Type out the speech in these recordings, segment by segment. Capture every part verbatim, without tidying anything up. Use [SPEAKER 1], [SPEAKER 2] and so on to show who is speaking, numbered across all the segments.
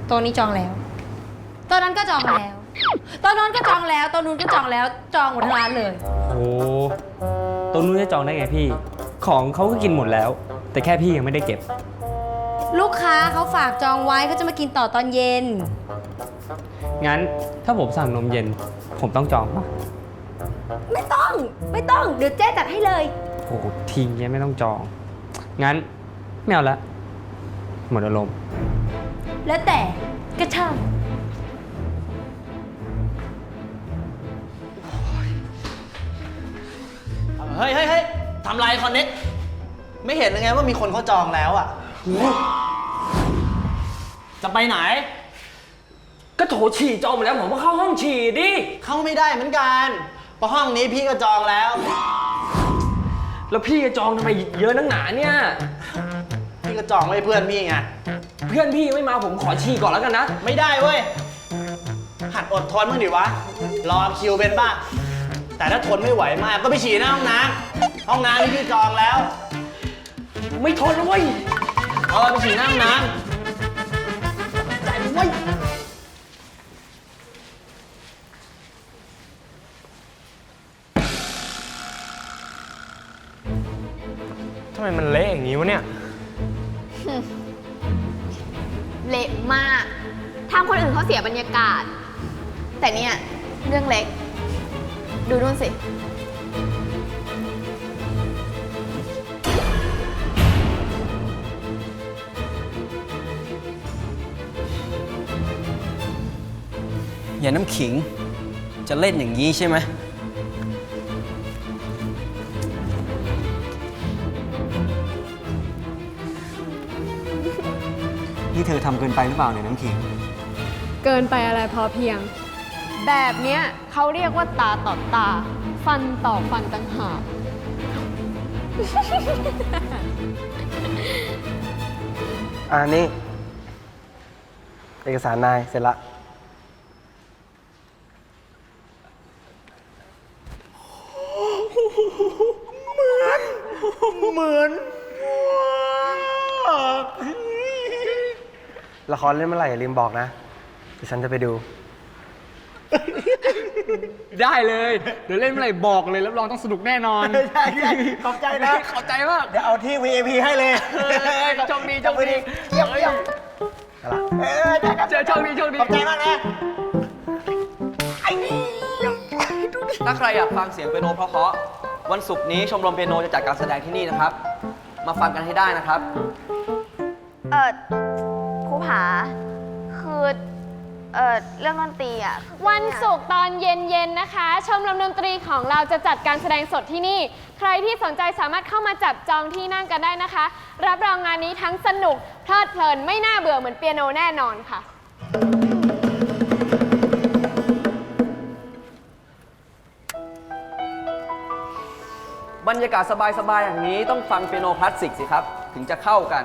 [SPEAKER 1] โต๊ะนี้จองแล้วโต๊ะนั้นก็จองแล้วโต๊ะนู้นก็จองแล้วโต๊ะนู้นก็จองแล้วจองหมดทั้งร้านเลย
[SPEAKER 2] โอ้ตรงนู้นจะจองได้ไงพี่ของเขาก็กินหมดแล้วแต่แค่พี่ยังไม่ได้เก็บ
[SPEAKER 1] ลูกค้าเขาฝากจองไว้เขาจะมากินต่อตอนเย็น
[SPEAKER 2] งั้นถ้าผมสั่งนมเย็นผมต้องจองปะ
[SPEAKER 1] ไม่ต้องไม่ต้องเดี๋ยวเจ๊จัดให้เลย
[SPEAKER 2] โอ้ทีเนี้ยไม่ต้องจองงั้นไม่เอาละหมดอารมณ์
[SPEAKER 1] แล้วแต่ก็ช่าง
[SPEAKER 3] เฮ้ยเฮ้ยเฮ้ยทำไรคอนเน็กไม่เห็นยังไงว่ามีคนเขาจองแล้วอ่ะจะไปไหน
[SPEAKER 2] ก็โถฉี่จองหมดแล้วผมก็เข้าห้องฉี่ดิ
[SPEAKER 3] เข้าไม่ได้เหมือนกันเพราะห้องนี้พี่ก็จองแล้ว
[SPEAKER 2] แล้วพี่จะจองทำไมเยอะนักหนาเนี่ย
[SPEAKER 3] พี่ก็จองไว้เพื่อนพี่ไง
[SPEAKER 2] เพื่อนพี่ไม่มาผมขอฉี่ก่อนแล้วกันนะ
[SPEAKER 3] ไม่ได้เว้ยหัดอดทนมั้งดิวะรอคิวเป็นบ้างแต่ถ้าทนไม่ไหวมากก็ไปฉี่หน้าห้องน้ำห้องน้ำที่พี่จองแล้ว
[SPEAKER 2] ไม่ทนเลยเว้ย
[SPEAKER 3] เออไปฉี่หน้าห้องน้ำใจเว้ย
[SPEAKER 2] ทำไมมันเละอย่างนี้วะเนี่ย
[SPEAKER 4] เละมากทำคนอื่นเขาเสียบรรยากาศแต่เนี่ยเรื่องเล็กดูนู่นสิ
[SPEAKER 5] อย่าน้ำขิงจะเล่นอย่างนี้ใช่ไหมนี่เธอทำเกินไปหรือเปล่าเนี่ยน้ำขิง
[SPEAKER 4] เกินไปอะไรพอเพียงแบบเนี้ยเขาเรียกว่าตาต่อตาฟันต่อฟันต่างหาก
[SPEAKER 5] อ่านี่เอกสารนายเสร็จละ
[SPEAKER 3] เหมือนเหมือน
[SPEAKER 5] ละครเล่นเมื่อไหร่อย่าลืมบอกนะเดี๋ยวฉันจะไปดู
[SPEAKER 2] ได้เลยเดี๋ยวเล่นเมื่อไหร่บอกเลยรับรองต้องสนุกแน่นอน
[SPEAKER 3] ใช่ใช่ขอบใจนะ
[SPEAKER 2] ขอบใจมาก
[SPEAKER 3] เดี๋ยวเอาที่ วี ไอ พี ให้เลย
[SPEAKER 2] โชคดีโชคดี
[SPEAKER 3] เยี่ยมเยี่ยมเจอ
[SPEAKER 2] โชคดีโชคดี
[SPEAKER 3] ขอบใจมากนะ
[SPEAKER 5] ถ้าใครอยากฟังเสียงเปียโนเพราะๆวันศุกร์นี้ชมรมเปียโนจะจัดการแสดงที่นี่นะครับมาฟังกันให้ได้นะครับ
[SPEAKER 4] เออครูผาคือเออเรื่องดนตรีอ่ะวันศุกร์ตอนเย็นๆนะคะชมรมดนตรีของเราจะจัดการแสดงสดที่นี่ใครที่สนใจสามารถเข้ามาจับจองที่นั่งกันได้นะคะรับรองงานนี้ทั้งสนุกเพลิดเพลินไม่น่าเบื่อเหมือนเปียโนแน่นอนค่ะ
[SPEAKER 5] บรรยากาศสบายๆอย่างนี้ต้องฟังเปียโนคลาสสิกสิครับถึงจะเข้ากัน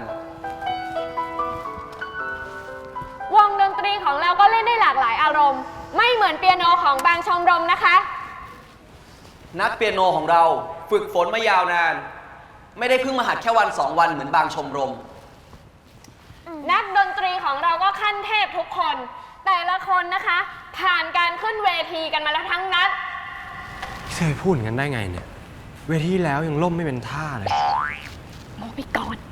[SPEAKER 4] วงดนตรีของเราก็เล่นได้หลากหลายอารมณ์ไม่เหมือนเปียโนของบางชมรมนะคะ
[SPEAKER 5] นักเปียโนของเราฝึกฝนมายาวนานไม่ได้เพิ่งมาหัดแค่วันสองวันเหมือนบางชมรม
[SPEAKER 4] นักดนตรีของเราก็ขั้นเทพทุกคนแต่ละคนนะคะผ่านการขึ้นเวทีกันมาแล้วทั้งนั้น
[SPEAKER 2] เธอพูดงั้นได้ไงเนี่ยเวทีแล้วยังล่มไม่เป็นท่าเลย
[SPEAKER 4] โมไปก่อน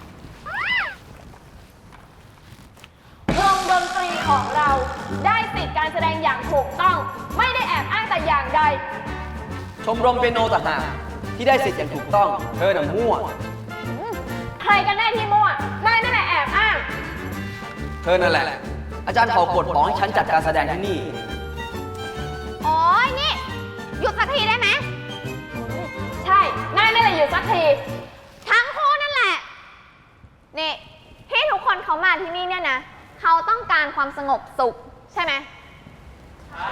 [SPEAKER 4] วงดนตรีของเราได้สิทธิการแสดงอย่างถูกต้องไม่ได้แอบอ้างแต่อย่างใด
[SPEAKER 5] ชมรมเปียโนต่างหากที่ได้สิทธิ์อย่างถูกต้องเธอน่ะมั่ว
[SPEAKER 4] ใครกันแน่ที่มั่วนายนั่นแหละแอบอ้าง
[SPEAKER 5] เธอนั่นแหละอาจารย์เขากดบอกให้ฉันจัดการแสดงที่นี่
[SPEAKER 4] โอ้ยนี่หยุดสักทีได้ไหมใช่นายนั่นแหละหยุดสักทีทั้งคู่นั่นแหละนี่ที่ทุกคนเขามาที่นี่เนี่ยนะเขาต้องการความสงบสุขใช่ไหมใช่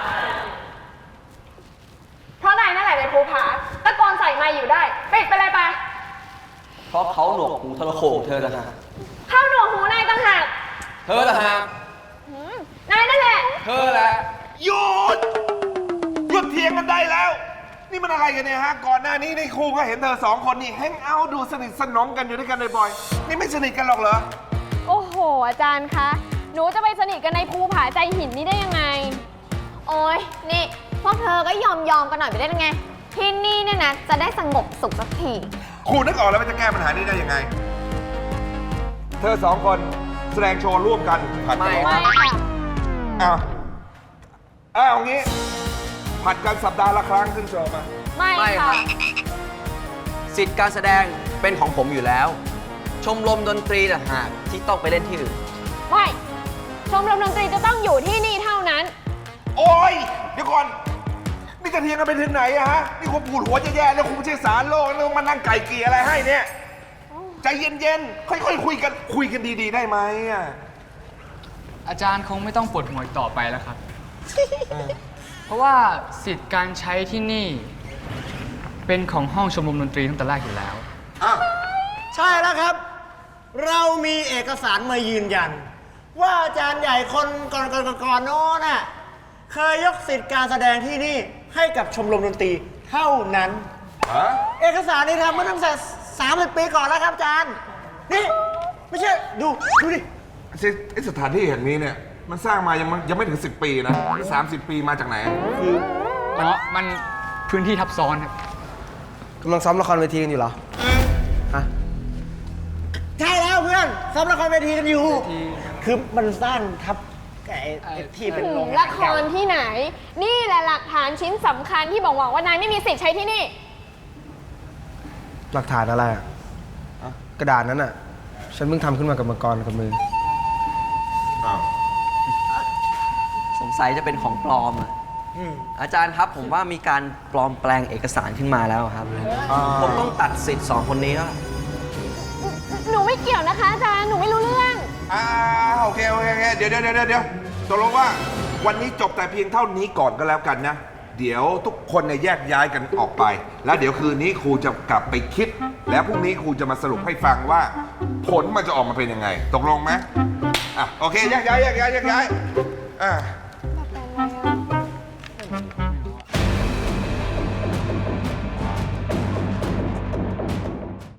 [SPEAKER 4] เพราะนายนั่นแหละเป็นภูผาตะโกนใส่ไมค์อยู่ได้ปิดไปเลยไป
[SPEAKER 5] เพราะเขาหนวกหูทรโขงเธอต่างหาก
[SPEAKER 4] เข้าหนวกหูนายต่างหาก
[SPEAKER 5] เธอต่างหาก
[SPEAKER 4] นายนั่นแหละ
[SPEAKER 5] เธอแหละ
[SPEAKER 3] หยุดหยุดเถียงกันได้แล้วนี่มันอะไรกันเนี่ยฮะก่อนหน้านี้ในครูก็เห็นเธอสองคนนี่แฮงเอาท์ดูสนิทสนมกันอยู่ด้วยกันบ่อยๆนี่ไม่สนิทกันหรอกเหรอ
[SPEAKER 4] โอ้โหอาจารย์คะหนูจะไปสนิทกันในภูผาใจหินนี่ได้ยังไง
[SPEAKER 6] โอ้ยนี่ พวกเธอก็ยอมยอมๆกันหน่อยไปได้ยังไง ที่นี่เนี่ยนะ จะได้สงบสุขสักที
[SPEAKER 7] ครูนึกออกแล้วว่าจะแก้ปัญหานี้ได้ยังไง เธอสองคนแสดงโชว์ร่วมกันผัดกัน
[SPEAKER 5] ไม่
[SPEAKER 7] ร้อง
[SPEAKER 4] ไม่ค่ะ
[SPEAKER 7] อ้าวอ้าวงี้ ผัดกันสัปดาห์ละครั้งขึ้นโชว์มา
[SPEAKER 4] ไม่
[SPEAKER 5] ไม่ค
[SPEAKER 4] ค่ะ
[SPEAKER 5] รับ สิทธิ์การแสดงเป็นของผมอยู่แล้ว ชมรมดนตรีต่างหากที่ต้องไปเล่นที่อื่น
[SPEAKER 4] ไม่ ชมรมดนตรีจะต้องอยู่ที่นี่เท่านั้น
[SPEAKER 7] โอ้ย เดี๋ยวก่อน นี่จะเทียงกันไปถึงไหนอะฮะ นี่คุณปวดหัวจะแย่แล้วคุณไม่ใช่สารโลกแล้วมานั่งไก่เกลี่ยอะไรให้เนี่ย ใจเย็นๆ ค่อยๆคุยกัน คุยกันดีๆ ได้ไหมอะ
[SPEAKER 8] อาจารย์คงไม่ต้องปวดหัวอีกต่อไปแล้วครับ เพราะว่าสิทธิ์การใช้ที่นี่ เป็นของห้องชมรมดนตรีตั้งแต่แรกอยู่แล้ว
[SPEAKER 7] อ้าว
[SPEAKER 3] ใช่แล้วครับ เรามีเอกสารมายืนยัน ว่าอาจารย์ใหญ่คนก่อนๆก่อนๆโน้นน่ะเคยยกสิทธิ์การแสดงที่นี่ให้กับชมรมดนตรีเท่านั้น
[SPEAKER 7] ฮะ
[SPEAKER 3] เอกสารนี้ทำมาตั้งแต่สามสิบปีก่อนแล้วครับอาจารย์ นี่ ไม่ใช่ ดู ดูดิ
[SPEAKER 7] ไอ้สถานที่แห่งนี้เนี่ย มันสร้างมายังไม่ยังไม่ถึงสิบปีนะสามสิบปีมาจากไหน
[SPEAKER 8] เพราะมันพื้นที่ทับซ้อนครับ
[SPEAKER 5] กำลังซ้อมละครเวทีกันอยู่เหรอ ฮะ
[SPEAKER 3] ใช่แล้วเพื่อนซ้อมละครเวทีกันอยู่ คือมันสร้างทับไอ้ไอ้ที่เป็นโรง
[SPEAKER 4] ละครที่ไหน นี่แหละหลักฐานชิ้นสำคัญที่บอกว่านายไม่มีสิทธิ์ใช้ที่นี่
[SPEAKER 9] หลักฐานอะไรอ่ะ กระดาษนั้นอ่ะ ฉันเพิ่งทำขึ้นมากับมังกรกับมือ
[SPEAKER 7] อ้าว
[SPEAKER 5] สงสัยจะเป็นของปลอมอะอาจารย์ครับผมว่ามีการปลอมแปลงเอกสารขึ้นมาแล้วครับ ผมต้องตัดสิทธิ์สองคนนี้แล้ว
[SPEAKER 4] หนูไม่เกี่ยวนะคะอาจารย์ หนูไม่รู้เรื่อง
[SPEAKER 7] อ่าโอเคโอเคโอเคเดี๋ยวเดี๋ยวเดี๋ยวเดี๋ยวตกลงว่าวันนี้จบแต่เพียงเท่านี้ก่อนก็แล้วกันนะ เดี๋ยวทุกคนเนี่ยแยกย้ายกันออกไป แล้วเดี๋ยวคืนนี้ครูจะกลับไปคิด แล้วพรุ่งนี้ครูจะมาสรุปให้ฟังว่า ผลมันจะออกมาเป็นยังไง ตกลงไหมอ่ะโอเคแยกย้ายแยกย้ายแยกย้ายอ่า